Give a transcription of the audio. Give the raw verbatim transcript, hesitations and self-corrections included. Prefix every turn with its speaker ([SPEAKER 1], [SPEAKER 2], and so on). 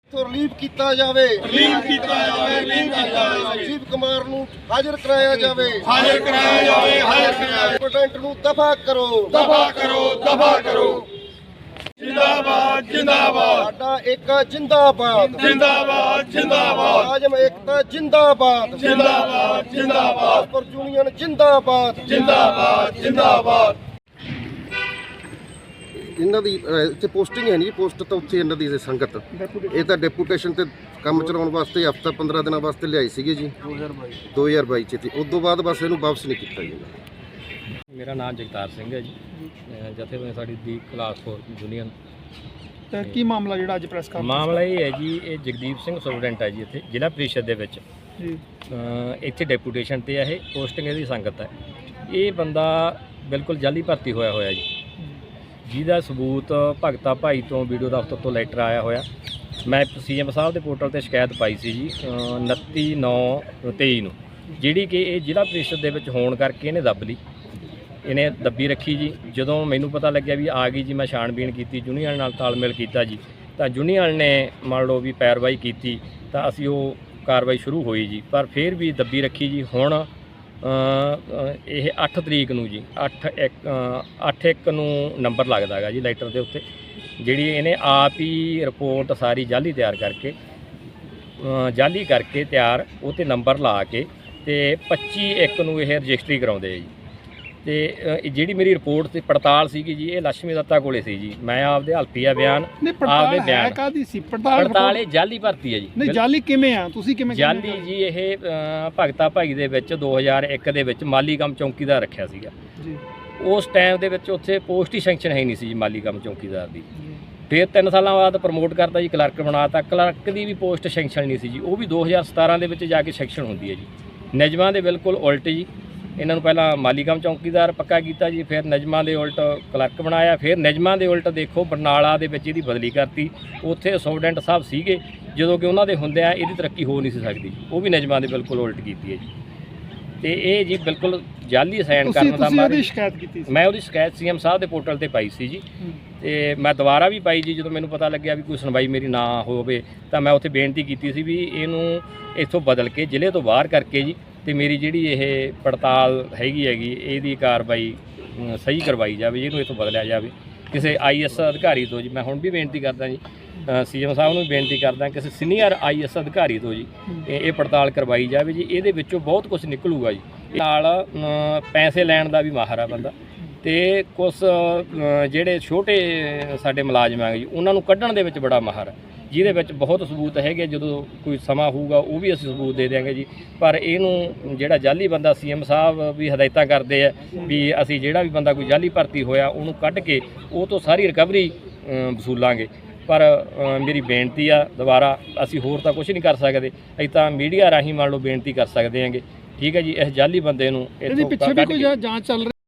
[SPEAKER 1] Relieve ਕੀਤਾ ਜਾਵੇ
[SPEAKER 2] relieve ਕੀਤਾ ਜਾਵੇ ਰਿਲੀਵ ਕੀਤਾ ਜਾਵੇ
[SPEAKER 1] ਸੰਜੀਵ ਕੁਮਾਰ ਨੂੰ ਹਾਜ਼ਰ ਕਰਾਇਆ ਜਾਵੇ
[SPEAKER 2] ਹਾਜ਼ਰ ਕਰਾਇਆ ਜਾਵੇ ਹਾਜ਼ਰ ਕਰਾਇਆ
[SPEAKER 1] ਪ੍ਰੈਜ਼ੀਡੈਂਟ ਨੂੰ ਦਫਾ ਕਰੋ
[SPEAKER 2] ਦਫਾ ਕਰੋ ਦਫਾ ਕਰੋ ਜਿੰਦਾਬਾਦ ਜਿੰਦਾਬਾਦ
[SPEAKER 1] ਸਾਡਾ ਏਕਾ ਜਿੰਦਾਬਾਦ
[SPEAKER 2] ਜਿੰਦਾਬਾਦ ਜਿੰਦਾਬਾਦ
[SPEAKER 1] ਮੁਲਾਜ਼ਮ ਏਕਤਾ ਜਿੰਦਾਬਾਦ
[SPEAKER 2] ਜਿੰਦਾਬਾਦ ਜਿੰਦਾਬਾਦ
[SPEAKER 1] ਪਰ ਯੂਨੀਅਨ ਜਿੰਦਾਬਾਦ
[SPEAKER 2] ਜਿੰਦਾਬਾਦ ਜਿੰਦਾਬਾਦ
[SPEAKER 1] ਇਹਨਾਂ ਦੀ ਇੱਥੇ ਪੋਸਟਿੰਗ ਹੈ ਨਹੀਂ ਪੋਸਟ ਤਾਂ ਉੱਥੇ ਇਹਨਾਂ ਦੀ ਸੰਗਤ ਇਹ ਤਾਂ ਡੈਪੂਟੇਸ਼ਨ ਤੇ ਕੰਮ ਚਲਾਉਣ ਵਾਸਤੇ ਹਫਤਾ ਪੰਦਰਾਂ ਦਿਨਾਂ ਵਾਸਤੇ ਲਿਆਈ ਸੀਗੀ ਜੀ ਦੋ ਹਜ਼ਾਰ ਬਾਈ ਚ ਤੇ ਉਸ ਤੋਂ ਬਾਅਦ ਬਸ ਇਹਨੂੰ ਵਾਪਸ ਨਹੀਂ ਕੀਤਾ ਜੀ।
[SPEAKER 3] ਮੇਰਾ ਨਾਮ ਜਗਤਾਰ ਸਿੰਘ ਹੈ ਜੀ, ਜਥੇਬੰਦੀ ਸਾਡੀ ਦੀ ਕਲਾਸ ਫੋਰ ਯੂਨੀਅਨ।
[SPEAKER 4] ਤਾਂ ਕੀ ਮਾਮਲਾ ਜਿਹੜਾ ਅੱਜ ਪ੍ਰੈਸ ਕਾਨਫਰੰਸ
[SPEAKER 3] ਮਾਮਲਾ ਇਹ ਹੈ ਜੀ, ਇਹ ਜਗਦੀਪ ਸਿੰਘ ਸਟੂਡੈਂਟ ਹੈ ਜੀ ਇੱਥੇ ਜ਼ਿਲ੍ਹਾ ਪ੍ਰੀਸ਼ਦ ਦੇ ਵਿੱਚ
[SPEAKER 4] ਜੀ
[SPEAKER 3] ਇੱਥੇ ਡੈਪੂਟੇਸ਼ਨ ਤੇ ਆ। ਇਹ ਪੋਸਟਿੰਗ ਇਹਦੀ ਸੰਗਤ ਹੈ। ਇਹ ਬੰਦਾ ਬਿਲਕੁਲ ਜਾਲੀ ਭਰਤੀ ਹੋਇਆ ਹੋਇਆ ਜੀ, ਜਿਹਦਾ ਸਬੂਤ ਭਗਤਾ ਭਾਈ ਤੋਂ ਵੀਡੀਓ ਦਫ਼ਤਰ ਤੋਂ ਲੈਟਰ ਆਇਆ ਹੋਇਆ। ਮੈਂ ਸੀਐਮ ਸਾਹਿਬ ਦੇ ਪੋਰਟਲ ਤੇ ਸ਼ਿਕਾਇਤ ਪਾਈ ਸੀ ਜੀ ਉਨੱਤੀ ਨੌ ਤੇਈ ਨੂੰ, ਜਿਹੜੀ ਕਿ ਇਹ ਜ਼ਿਲ੍ਹਾ ਪ੍ਰੀਸ਼ਦ ਦੇ ਵਿੱਚ ਹੋਣ ਕਰਕੇ ਇਹਨੇ ਦੱਬ ਲਈ, ਇਹਨੇ ਦੱਬੀ ਰੱਖੀ ਜੀ। ਜਦੋਂ ਮੈਨੂੰ ਪਤਾ ਲੱਗਿਆ ਵੀ ਆ ਗਈ ਜੀ, ਮੈਂ ਛਾਣਬੀਣ ਕੀਤੀ, ਯੂਨੀਅਨ ਨਾਲ ਤਾਲਮੇਲ ਕੀਤਾ ਜੀ, ਤਾਂ ਯੂਨੀਅਨ ਨੇ ਮੰਨ ਲਓ ਵੀ ਪੈਰਵਾਈ ਕੀਤੀ, ਤਾਂ ਅਸੀਂ ਉਹ ਕਾਰਵਾਈ ਸ਼ੁਰੂ ਹੋਈ ਜੀ। ਪਰ ਫਿਰ ਵੀ ਦੱਬੀ ਰੱਖੀ ਜੀ। ਹੁਣ ਇਹ ਅੱਠ ਤਰੀਕ ਨੂੰ ਜੀ ਅੱਠ ਇੱਕ ਅੱਠ ਇੱਕ ਨੂੰ ਨੰਬਰ ਲੱਗਦਾ ਹੈਗਾ ਜੀ ਲੈਟਰ ਦੇ ਉੱਤੇ, ਜਿਹੜੀ ਇਹਨੇ ਆਪ ਹੀ ਰਿਪੋਰਟ ਸਾਰੀ ਜਾਲੀ ਤਿਆਰ ਕਰਕੇ ਜਾਲੀ ਕਰਕੇ ਤਿਆਰ ਉਹ 'ਤੇ ਨੰਬਰ ਲਾ ਕੇ ਤੇ ਪੱਚੀ ਇੱਕ ਨੂੰ ਇਹ ਰਜਿਸਟਰੀ ਕਰਾਉਂਦੇ ਆ ਜੀ। ਤੇ ਜਿਹੜੀ ਮੇਰੀ ਰਿਪੋਰਟ ਤੇ ਪੜਤਾਲ ਸੀਗੀ ਜੀ, ਇਹ ਲక్ష్ਮੀ ਦੱਤਾ ਕੋਲੇ ਸੀ ਜੀ। ਮੈਂ ਆਪਦੇ ਹਲਫੀਆ ਬਿਆਨ ਆਪਦੇ ਬਿਆਨ
[SPEAKER 4] ਕਾਦੀ ਸੀ ਪੜਤਾਲ
[SPEAKER 3] ਪੜਤਾਲ ਇਹ ਜਾਲੀ ਭਰਤੀ ਹੈ ਜੀ।
[SPEAKER 4] ਨਹੀਂ ਜਾਲੀ ਕਿਵੇਂ ਆ, ਤੁਸੀਂ ਕਿਵੇਂ
[SPEAKER 3] ਜਾਲੀ ਜੀ ਇਹ ਭਗਤਾ ਭਾਈ ਦੇ ਵਿੱਚ ਦੋ ਹਜ਼ਾਰ ਇੱਕ ਦੇ ਵਿੱਚ ਮਾਲੀ ਕੰਮ ਚੌਂਕੀਦਾਰ ਰੱਖਿਆ ਸੀਗਾ
[SPEAKER 4] ਜੀ।
[SPEAKER 3] ਉਸ ਟਾਈਮ ਦੇ ਵਿੱਚ ਉੱਥੇ ਪੋਸਟ ਹੀ ਸੈਂਕਸ਼ਨ ਹੈ ਨਹੀਂ ਸੀ ਜੀ ਮਾਲੀ ਕੰਮ ਚੌਂਕੀਦਾਰ ਦੀ। ਫਿਰ ਤਿੰਨ ਸਾਲਾਂ ਬਾਅਦ ਪ੍ਰਮੋਟ ਕਰਤਾ ਜੀ, ਕਲਰਕ ਬਣਾਤਾ। ਕਲਰਕ ਦੀ ਵੀ ਪੋਸਟ ਸੈਂਕਸ਼ਨ ਨਹੀਂ ਸੀ ਜੀ, ਉਹ ਵੀ ਦੋ ਹਜ਼ਾਰ ਸਤਾਰਾਂ ਦੇ ਵਿੱਚ ਜਾ ਕੇ ਸੈਕਸ਼ਨ ਹੁੰਦੀ ਹੈ ਜੀ। ਨਿਯਮਾਂ ਦੇ ਬਿਲਕੁਲ ਉਲਟ ਜੀ। ਇਹਨਾਂ ਨੂੰ ਪਹਿਲਾਂ ਮਾਲੀ ਕੰਮ ਚੌਂਕੀਦਾਰ ਪੱਕਾ ਕੀਤਾ ਜੀ, ਫਿਰ ਨਿਯਮਾਂ ਦੇ ਉਲਟ ਕਲਰਕ ਬਣਾਇਆ, ਫਿਰ ਨਿਯਮਾਂ ਦੇ ਉਲਟ ਦੇਖੋ ਬਰਨਾਲਾ ਦੇ ਵਿੱਚ ਇਹਦੀ ਬਦਲੀ ਕਰਤੀ। ਉੱਥੇ ਸਟੂਡੈਂਟ ਸਾਹਿਬ ਸੀਗੇ, ਜਦੋਂ ਕਿ ਉਹਨਾਂ ਦੇ ਹੁੰਦਿਆਂ ਇਹਦੀ ਤਰੱਕੀ ਹੋ ਨਹੀਂ ਸੀ ਸਕਦੀ, ਉਹ ਵੀ ਨਿਯਮਾਂ ਦੇ ਬਿਲਕੁਲ ਉਲਟ ਕੀਤੀ ਹੈ ਜੀ। ਤੇ ਇਹ ਜੀ ਬਿਲਕੁਲ ਜਾਲੀ ਸਾਈਨ ਕਰਨ ਦਾ
[SPEAKER 4] ਮਾਰੀ ਸ਼ਿਕਾਇਤ ਕੀਤੀ ਸੀ।
[SPEAKER 3] ਮੈਂ ਉਹਦੀ ਸ਼ਿਕਾਇਤ ਸੀਐਮ ਸਾਹਿਬ ਦੇ ਪੋਰਟਲ ਤੇ ਪਾਈ ਸੀ ਜੀ, ਤੇ ਮੈਂ ਦੁਬਾਰਾ ਵੀ ਪਾਈ ਜੀ। ਜਦੋਂ ਮੈਨੂੰ ਪਤਾ ਲੱਗਿਆ ਵੀ ਕੋਈ ਸੁਣਵਾਈ ਮੇਰੀ ਨਾ ਹੋਵੇ, ਤਾਂ ਮੈਂ ਉੱਥੇ ਬੇਨਤੀ ਕੀਤੀ ਸੀ ਵੀ ਇਹਨੂੰ ਇੱਥੋਂ ਬਦਲ ਕੇ ਜ਼ਿਲ੍ਹੇ ਤੋਂ ਬਾਹਰ ਕਰਕੇ ਜੀ, ਤੇ ਮੇਰੀ ਜਿਹੜੀ ਇਹ ਪੜਤਾਲ ਹੈਗੀ ਹੈਗੀ ਇਹਦੀ ਕਾਰਵਾਈ ਸਹੀ ਕਰਵਾਈ ਜਾਵੇ, ਇਹਨੂੰ ਇੱਥੋਂ ਬਦਲਿਆ ਜਾਵੇ ਕਿਸੇ ਆਈਐਸ ਅਧਿਕਾਰੀ ਤੋਂ ਜੀ। ਮੈਂ ਹੁਣ ਵੀ ਬੇਨਤੀ ਕਰਦਾ ਜੀ, ਸੀਐਮ ਸਾਹਿਬ ਨੂੰ ਵੀ ਬੇਨਤੀ ਕਰਦਾ, ਕਿਸੇ ਸੀਨੀਅਰ ਆਈਐਸ ਅਧਿਕਾਰੀ ਤੋਂ ਜੀ ਇਹ ਪੜਤਾਲ ਕਰਵਾਈ ਜਾਵੇ ਜੀ। ਇਹਦੇ ਵਿੱਚੋਂ ਬਹੁਤ ਕੁਝ ਨਿਕਲੂਗਾ ਜੀ। ਨਾਲ ਪੈਸੇ ਲੈਣ ਦਾ ਵੀ ਮਾਹਰ ਆ ਬੰਦਾ, ਤੇ ਕੁਝ ਜਿਹੜੇ ਛੋਟੇ ਸਾਡੇ ਮੁਲਾਜ਼ਮ ਆ ਜੀ ਉਹਨਾਂ ਨੂੰ ਕੱਢਣ ਦੇ ਵਿੱਚ ਬੜਾ ਮਾਹਰ ਹੈ, ਜਿਹਦੇ ਵਿੱਚ ਬਹੁਤ ਸਬੂਤ ਹੈਗੇ। ਜਦੋਂ ਕੋਈ ਸਮਾਂ ਹੋਊਗਾ ਉਹ ਵੀ ਅਸੀਂ ਸਬੂਤ ਦੇ ਦਿਆਂਗੇ ਜੀ। ਪਰ ਇਹਨੂੰ ਜਿਹੜਾ ਜਾਲੀ ਬੰਦਾ, ਸੀਐਮ ਸਾਹਿਬ ਵੀ ਹਦਾਇਤਾਂ ਕਰਦੇ ਆ ਵੀ ਅਸੀਂ ਜਿਹੜਾ ਵੀ ਬੰਦਾ ਕੋਈ ਜਾਲੀ ਭਰਤੀ ਹੋਇਆ ਉਹਨੂੰ ਕੱਢ ਕੇ ਉਹ ਤੋਂ ਸਾਰੀ ਰਿਕਵਰੀ ਵਸੂਲਾਂਗੇ। ਪਰ ਮੇਰੀ ਬੇਨਤੀ ਆ ਦੁਬਾਰਾ, ਅਸੀਂ ਹੋਰ ਤਾਂ ਕੁਝ ਨਹੀਂ ਕਰ ਸਕਦੇ, ਅਸੀਂ ਤਾਂ ਮੀਡੀਆ ਰਾਹੀਂ ਮੰਨ ਲਓ ਬੇਨਤੀ ਕਰ ਸਕਦੇ ਹਾਂਗੇ, ਠੀਕ ਹੈ ਜੀ। ਇਸ ਜਾਲੀ ਬੰਦੇ ਨੂੰ
[SPEAKER 4] ਇਹਦੇ ਪਿੱਛੇ ਵੀ ਕੋਈ ਜਾਂਚ ਚੱਲ ਰਹੀ